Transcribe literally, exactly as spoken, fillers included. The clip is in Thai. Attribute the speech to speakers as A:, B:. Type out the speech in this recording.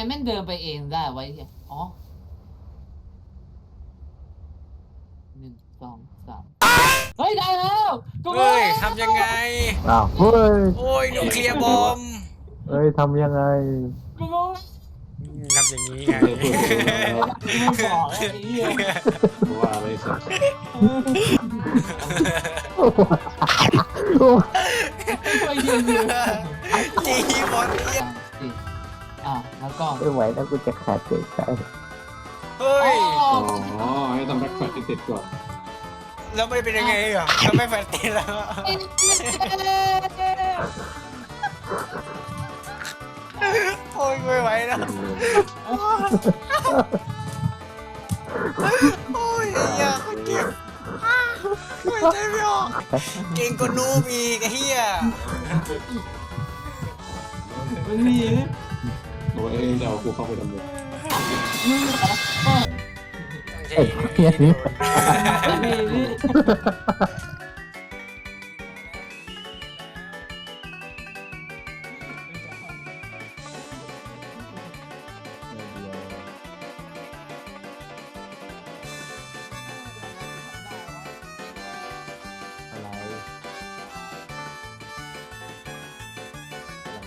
A: แม่งเดินไปเองได้ไว้อ๋อหนึ่งสองสามเฮ้ยได้แล้วกู
B: เฮ้ยทำยังไง
C: อ้าวเฮ้ย
B: โอ้ยนิวเคลียร์บอม
C: เฮ้ยทำยังไง
A: กูรู้
B: ทำอย่างนี้ไง
A: ไม่บอกไอ้เหี้ย
D: ว่าไม่สัก
A: ไม่ยืนอยู่
B: จีบอลเนี่ย
A: อ่ะแล้วก็
C: ไม่ไหวแล้วกูจะขาดใจใช่
B: เฮ้ย
D: อ๋อให้ทำแบ็คแฟลชให้เสร็จก่อน
B: แล้วไม่เป็นยังไงอ่ะทำไม่แฟนตีแล้ว โอ้ยไม่ไหวแล้วโอ้ยเฮียเขาเจ็บไม่ใจไม่ออกเก่งกว่านูบอีกไอ้เฮีย
A: มันมี
D: โอ้ยจะเอากูเข้าไปดำเนิน
A: มึงเหรอ
C: ไอ้เหี้ยนี่
A: มี